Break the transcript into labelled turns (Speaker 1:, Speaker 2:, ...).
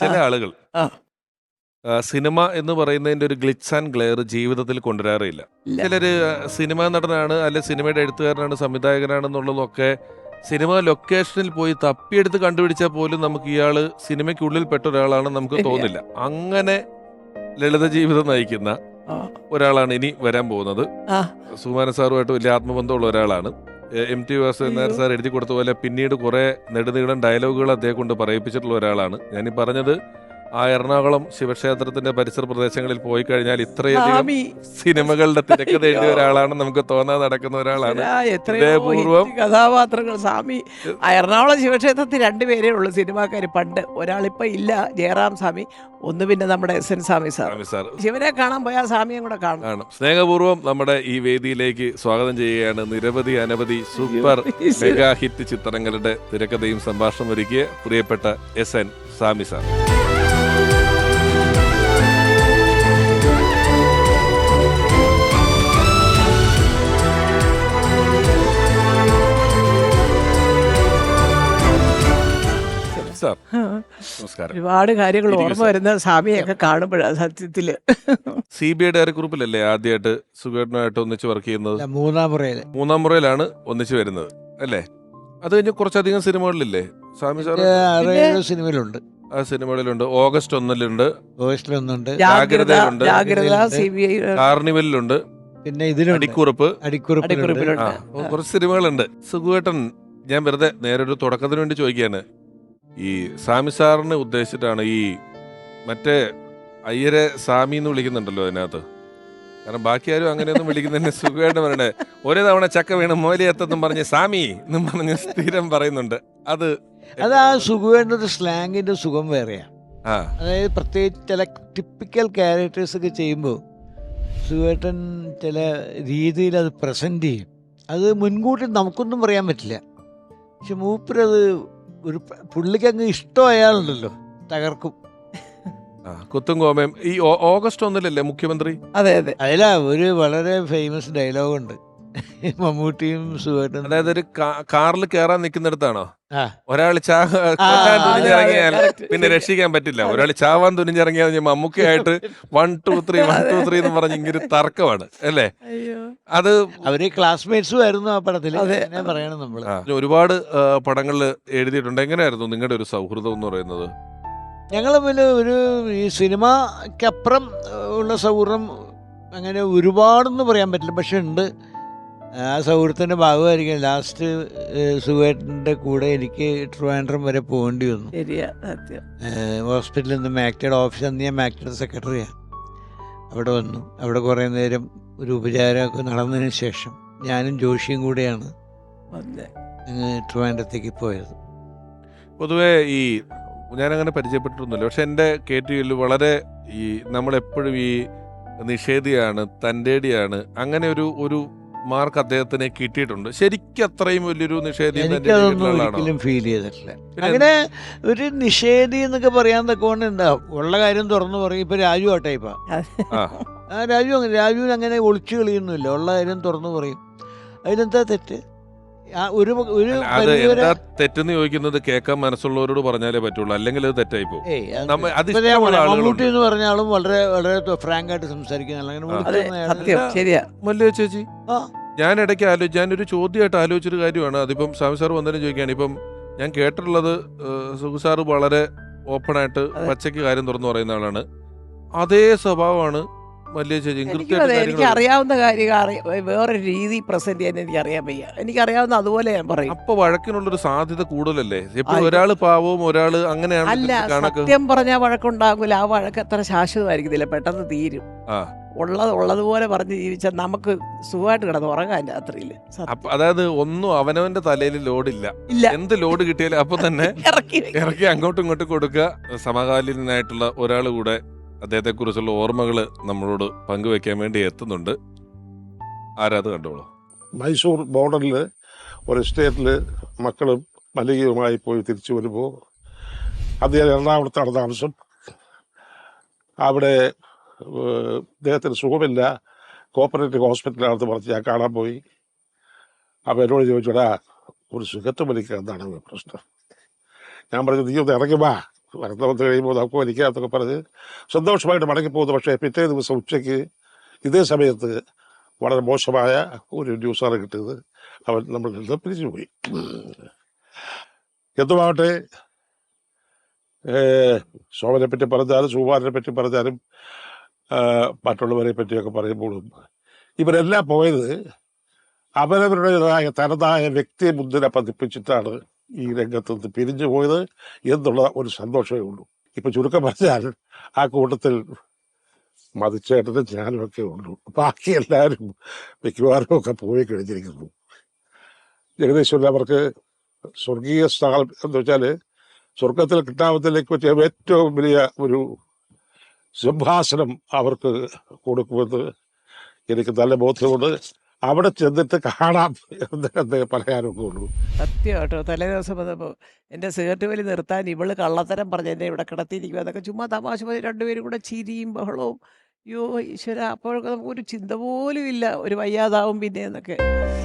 Speaker 1: ചില ആളുകൾ
Speaker 2: ആ.
Speaker 1: സിനിമ എന്ന് പറയുന്നതിന്റെ ഒരു ഗ്ലിറ്റ്സ് ആൻഡ് ഗ്ലെയർ ജീവിതത്തിൽ കൊണ്ടുവരാറില്ല.
Speaker 2: ഇല്ല.
Speaker 1: ചിലര് സിനിമാ നടനാണ്, അല്ലെ സിനിമയുടെ എഴുത്തുകാരനാണ്, സംവിധായകനാണെന്നുള്ളതൊക്കെ സിനിമ ലൊക്കേഷനിൽ പോയി തപ്പിയെടുത്ത് കണ്ടുപിടിച്ചാൽ പോലും നമുക്ക് ഇയാള് സിനിമയ്ക്കുള്ളിൽ പെട്ട ഒരാളാണെന്ന് നമുക്ക്
Speaker 2: ശരിയാ.
Speaker 1: തോന്നില്ല. അങ്ങനെ ലളിത ജീവിതം നയിക്കുന്ന
Speaker 2: ആ.
Speaker 1: ഒരാളാണ് ഇനി വരാൻ പോകുന്നത്.
Speaker 2: ആ.
Speaker 1: സുകുമാരൻ സാറുമായിട്ട് വലിയ ആത്മബന്ധമുള്ള ഒരാളാണ്. M T Vasudevan Nair sir എഴുതി കൊടുത്ത പോലെ പിന്നീട് കുറെ നെടുനീളം ഡയലോഗുകൾ അദ്ദേഹം കൊണ്ട് പറയിപ്പിച്ചിട്ടുള്ള ഒരാളാണ്. ഞാനീ പറഞ്ഞത് ആ എറണാകുളം ശിവക്ഷേത്രത്തിന്റെ പരിസര പ്രദേശങ്ങളിൽ പോയി കഴിഞ്ഞാൽ ഇത്രയധികം
Speaker 2: സ്വാമി.
Speaker 1: സിനിമകളുടെ തിരക്കഥ എഴുതിയ ഒരാളാണ് നമുക്ക് തോന്നാതെ നടക്കുന്ന ഒരാളാണ്.
Speaker 2: എത്രയോ
Speaker 1: ഹൃദയപൂർവ്വം
Speaker 2: ഹിറ്റ് കഥാപാത്രങ്ങൾ. സ്വാമി എറണാകുളം ശിവക്ഷേത്രത്തിൽ 2 പേരേ ഉള്ളൂ സിനിമാക്കാർ പണ്ട്. ഒരാളിപ്പോ ഇല്ല, ജയറാം സ്വാമി. ഒന്ന് പിന്നെ നമ്മുടെ S N Swami sir.
Speaker 1: Swami sir
Speaker 2: ശിവനെ കാണാൻ പോയാൽ സ്വാമിയും കൂടെ കാണും.
Speaker 1: ആണ്. സ്നേഹപൂർവ്വം നമ്മുടെ ഈ വേദിയിലേക്ക് സ്വാഗതം ചെയ്യുകയാണ് നിരവധി അനവധി സൂപ്പർ മെഗാ ഹിറ്റ് ചിത്രങ്ങളുടെ തിരക്കഥയും സംഭാഷണം ഒരുക്കിയ പ്രിയപ്പെട്ട S N Swami sir. Sir നമസ്കാരം.
Speaker 2: ഒരുപാട് കാര്യങ്ങൾ
Speaker 1: ഇരിക്കൂ
Speaker 2: ഓർമ്മ
Speaker 1: സാർ.
Speaker 2: വരുന്ന സ്വാമിയൊക്കെ കാണുമ്പോഴാണ് സത്യത്തില്.
Speaker 1: CBI ഡയറി ഗ്രൂപ്പിലല്ലേ ആദ്യമായിട്ട് സുഖേട്ടനായിട്ട് ഒന്നിച്ച് വർക്ക് ചെയ്യുന്നത്?
Speaker 3: മൂന്നാം
Speaker 1: മുറയിലാണ് ഒന്നിച്ച് വരുന്നത് അല്ലേ? അത് കഴിഞ്ഞ് കുറച്ചധികം സിനിമകളിലില്ലേ സ്വാമി സാർ?
Speaker 3: സിനിമയിലുണ്ട്.
Speaker 1: ആ സിനിമകളിലുണ്ട്. ഓഗസ്റ്റ് 1-ലുണ്ട്,
Speaker 3: ഓഗസ്റ്റിലൊന്നുണ്ട്,
Speaker 2: ജാഗ്രത,
Speaker 1: ജാഗ്രതയിലുണ്ട്,
Speaker 2: ജാഗ്രത, CBI
Speaker 1: കാർണിവലിലുണ്ട്,
Speaker 3: പിന്നെ ഇതിലുണ്ട്
Speaker 1: അടിക്കുറിപ്പ്.
Speaker 2: അടിക്കുറിപ്പിലുണ്ട്.
Speaker 1: ആ കുറച്ച് സിനിമകളുണ്ട്. സുഖേട്ടൻ, ഞാൻ വെറുതെ നേരെ ഒരു തുടക്കത്തിന് വേണ്ടി ചോദിക്കുകയാണ്. ഈ സ്വാമി സാറിനെ ഉദ്ദേശിച്ചിട്ടാണ് ഈ മറ്റേ അയ്യരെ സ്വാമി എന്ന് വിളിക്കുന്നുണ്ടല്ലോ അതിനകത്ത്? കാരണം ബാക്കി ആരും അങ്ങനെയൊന്നും വിളിക്കുന്നതിന് സുഖമായിട്ട് പറയണേ. ഒരേ തവണ ചക്ക വീണ് മോലിയെത്തെന്നും പറഞ്ഞ് സ്വാമി എന്നും പറഞ്ഞ് സ്ഥിരം പറയുന്നുണ്ട്. അത്
Speaker 3: ആ സുഖവേണ്ട ഒരു സ്ലാങ്ങിന്റെ സുഖം വേറെയാ.
Speaker 1: ആ
Speaker 3: അതായത് പ്രത്യേകിച്ച് ചില ടിപ്പിക്കൽ ക്യാരക്ടേഴ്സ് ഒക്കെ ചെയ്യുമ്പോൾ സുഖേട്ടൻ ചില രീതിയിൽ അത് പ്രസന്റ് ചെയ്യും. അത് മുൻകൂട്ടി നമുക്കൊന്നും പറയാൻ പറ്റില്ല. പക്ഷെ മൂപ്പരത് ഒരു പുള്ളിക്ക് അങ്ങ് ഇഷ്ടമായാലുണ്ടല്ലോ തകർക്കും.
Speaker 1: കുത്തും കോമയും. ഈ ഓഗസ്റ്റ് 1-ലല്ലേ മുഖ്യമന്ത്രി?
Speaker 2: അതെ അതെ.
Speaker 3: അതിലാ ഒരു വളരെ ഫേമസ് ഡയലോഗുണ്ട് മമ്മൂട്ടിയും സുഖേട്ടൻ.
Speaker 1: അതായത് ഒരു കാറിൽ കയറാൻ നിൽക്കുന്നിടത്താണോ
Speaker 3: ആ
Speaker 1: ഒരാൾ തുനിഞ്ഞിറങ്ങിയാൽ പിന്നെ രക്ഷിക്കാൻ പറ്റില്ല. ഒരാൾ ചാവാൻ തുനിഞ്ഞിറങ്ങിയാൽ മമ്മൂക്കയായിട്ട് 1 2 3 1 2 3 എന്ന് പറഞ്ഞ് ഇങ്ങനെ തർക്കമാണ് അല്ലേ? അത്
Speaker 3: അവര് ക്ലാസ്മേറ്റ്സും ആയിരുന്നു ആ പടത്തിൽ.
Speaker 2: അതെ.
Speaker 3: പറയണം നമ്മള്.
Speaker 1: ഒരുപാട് പടങ്ങളിൽ എഴുതിയിട്ടുണ്ട്. എങ്ങനെയായിരുന്നു നിങ്ങളുടെ ഒരു സൗഹൃദം എന്ന് പറയുന്നത്?
Speaker 3: ഞങ്ങൾ പിന്നെ ഒരു ഈ സിനിമക്കപ്പുറം ഉള്ള സൗഹൃദം അങ്ങനെ ഒരുപാടൊന്നും പറയാൻ പറ്റില്ല, പക്ഷെ ഉണ്ട്. ആ സൗഹൃദത്തിൻ്റെ ഭാഗമായിരിക്കും ലാസ്റ്റ് സുഖേട്ടൻ്റെ കൂടെ എനിക്ക് ട്രിവാൻഡ്രം വരെ പോകേണ്ടി വന്നു.
Speaker 2: ശരിയാ, സത്യം.
Speaker 3: ഹോസ്പിറ്റലിൽ നിന്ന് മാക്ടയുടെ ഓഫീസ്, അന്ന് ഞാൻ മാക്ടയുടെ സെക്രട്ടറിയാണ്. അവിടെ വന്നു. അവിടെ കുറേ നേരം ഒരു ഉപചാരമൊക്കെ നടന്നതിന് ശേഷം ഞാനും ജോഷിയും കൂടെയാണ് ട്രിവാൻഡ്രത്തേക്ക് പോയത്.
Speaker 1: പൊതുവേ ഈ ഞാനങ്ങനെ പരിചയപ്പെട്ടിട്ടൊന്നുമില്ല, പക്ഷെ എൻ്റെ കേട്ടിയിൽ വളരെ ഈ നമ്മളെപ്പോഴും ഈ നിഷേധിയാണ്, തൻ്റെടിയാണ്, അങ്ങനെ ഒരു മാർക്ക് അദ്ദേഹത്തിന് കിട്ടിയിട്ടുണ്ട്. ശരിക്കും അത്രയും വലിയൊരു നിഷേധി
Speaker 3: എനിക്കതൊന്നും ഒരിക്കലും ഫീൽ ചെയ്തിട്ടില്ല. അങ്ങനെ ഒരു നിഷേധി എന്നൊക്കെ പറയാൻ തക്കോണ്ട് എന്താ ഉള്ള കാര്യം തുറന്നു പറയും. ഇപ്പൊ രാജു ആ ടൈപ്പാ. രാജുവിന് അങ്ങനെ ഒളിച്ചു കളിയൊന്നുമില്ല, ഉള്ള കാര്യം തുറന്നു പറയും. അതിനെന്താ തെറ്റ്?
Speaker 1: തെറ്റെന്ന് ചോദിക്കുന്നത് കേൾക്കാൻ മനസ്സുള്ളവരോട് പറഞ്ഞാലേ പറ്റുള്ളൂ, അല്ലെങ്കിൽ അത് തെറ്റായി പോകും.
Speaker 3: മമ്മൂട്ടി എന്ന് പറഞ്ഞാലും വളരെ വളരെ ഫ്രാങ്ക് ആയിട്ട്
Speaker 1: മല്ലു ചേച്ചി, ഞാൻ ഇടയ്ക്ക് ഞാനൊരു ചോദ്യമായിട്ട് ആലോചിച്ചൊരു കാര്യമാണ്. അതിപ്പം സ്വാമി സാർ വന്നതിന് ചോദിക്കുകയാണ്. ഇപ്പം ഞാൻ കേട്ടിട്ടുള്ളത് സുഖു സാറ് വളരെ ഓപ്പണായിട്ട് പച്ചയ്ക്ക് കാര്യം തുറന്നു പറയുന്ന ആളാണ്. അതേ സ്വഭാവമാണ് മല്ലു ചേച്ചി.
Speaker 2: എനിക്ക് അറിയാവുന്ന കാര്യം വേറൊരു രീതി പ്രസന്റ് ചെയ്യാൻ എനിക്ക് അറിയാൻ വയ്യ. എനിക്കറിയാവുന്ന അതുപോലെ ഞാൻ പറയും.
Speaker 1: അപ്പൊ വഴക്കിനുള്ളൊരു സാധ്യത കൂടുതലല്ലേ? എപ്പോഴും ഒരാള് പാവവും ഒരാള് അങ്ങനെയാണ്.
Speaker 2: അല്ല, സത്യം പറഞ്ഞാൽ വഴക്കുണ്ടാകൂല. ആ വഴക്ക് അത്ര ശാശ്വതമായിരിക്കത്തില്ല, പെട്ടെന്ന് തീരും. ഉള്ളതുപോലെ പറഞ്ഞ് ജീവിച്ചാൽ നമുക്ക് സുഖമായിട്ട് കിടന്ന് ഉറങ്ങാൻ രാത്രിയില്.
Speaker 1: അതായത് ഒന്നും അവനവന്റെ തലയിൽ ലോഡില്ല. എന്ത് ലോഡ് കിട്ടിയാലും അപ്പൊ തന്നെ ഇറക്കി അങ്ങോട്ടും ഇങ്ങോട്ടും കൊടുക്കുക. സമകാലീനായിട്ടുള്ള ഒരാൾ കൂടെ അദ്ദേഹത്തെ കുറിച്ചുള്ള ഓർമ്മകൾ നമ്മളോട് പങ്കുവെക്കാൻ വേണ്ടി എത്തുന്നുണ്ട്. ആരാത് കണ്ടോളൂ.
Speaker 4: മൈസൂർ ബോർഡറിൽ ഒരു എസ്റ്റേറ്റില് മക്കളും മല്ലികയുമായി പോയി തിരിച്ചു വരുമ്പോൾ അദ്ദേഹം എറണാകുളത്താണ് താമസം. അവിടെ അദ്ദേഹത്തിന് സുഖമില്ല, കോപ്പറേറ്റീവ് ഹോസ്പിറ്റലാണെന്ന് പറഞ്ഞ് ഞാൻ കാണാൻ പോയി. അപ്പോൾ എന്നോട് ചോദിച്ചോടാ, ഒരു സുഖത്ത് മലിക്കുക എന്താണ് പ്രശ്നം? ഞാൻ പറഞ്ഞു, നീ ഒന്ന് ഇറങ്ങി വാ, വാർത്ത വന്ന് കഴിയുമ്പോൾ നമുക്ക് വലിക്കാത്തൊക്കെ പറഞ്ഞ് സന്തോഷമായിട്ട് മടങ്ങിപ്പോകുന്നു. പക്ഷേ പിറ്റേ ദിവസം ഉച്ചയ്ക്ക് ഇതേ സമയത്ത് വളരെ മോശമായ ഒരു ന്യൂസാണ് കിട്ടിയത്. അവൻ നമ്മളിൽ നിന്ന് പിരിച്ചുപോയി. എന്തുമാവട്ടെ, ശോഭനെ പറ്റി പറഞ്ഞാലും സുകുമാരനെ പറ്റി പറഞ്ഞാലും മറ്റുള്ളവരെ പറ്റിയൊക്കെ പറയുമ്പോഴും ഇവരെല്ലാം പോയത് അവരവരുടേതായ തനതായ വ്യക്തി മുദ്ര പതിപ്പിച്ചിട്ടാണ് ഈ രംഗത്ത് നിന്ന് പിരിഞ്ഞു പോയത് എന്നുള്ള ഒരു സന്തോഷമേ ഉള്ളൂ. ഇപ്പൊ ചുരുക്കം പറഞ്ഞാൽ ആ കൂട്ടത്തിൽ മതിച്ചേട്ടനും ഞാനും ഒക്കെ ഉള്ളൂ. ബാക്കി എല്ലാവരും മിക്കവാറും ഒക്കെ പോയി കഴിഞ്ഞിരിക്കുന്നു. ഏകദേശം അവർക്ക് സ്വർഗീയ സ്ഥാനം എന്ന് വെച്ചാൽ സ്വർഗത്തിൽ കിട്ടാമത്തിലേക്ക് വെച്ച ഏറ്റവും വലിയ ഒരു സിംഹാസനം അവർക്ക് കൊടുക്കുമെന്ന് എനിക്ക് നല്ല ബോധ്യമുണ്ട്. അവിടെ ചെന്നിട്ട് കാണാം എന്ന് പറയാനൊക്കെ ഉള്ളൂ.
Speaker 2: സത്യം കേട്ടോ. തലേ ദിവസം വന്നപ്പോൾ എൻ്റെ സിഗരറ്റ് വലി നിർത്താൻ ഇവള് കള്ളത്തരം പറഞ്ഞ് എന്നെ ഇവിടെ കിടത്തിയിരിക്കുക എന്നൊക്കെ ചുമ്മാ തമാശ പറഞ്ഞ് രണ്ടുപേരും കൂടെ ചിരിയും ബഹളവും. അയ്യോ ഈശ്വര, അപ്പോഴൊക്കെ നമുക്കൊരു ചിന്ത പോലും ഇല്ല ഒരു വയ്യാതാവും പിന്നെ എന്നൊക്കെ.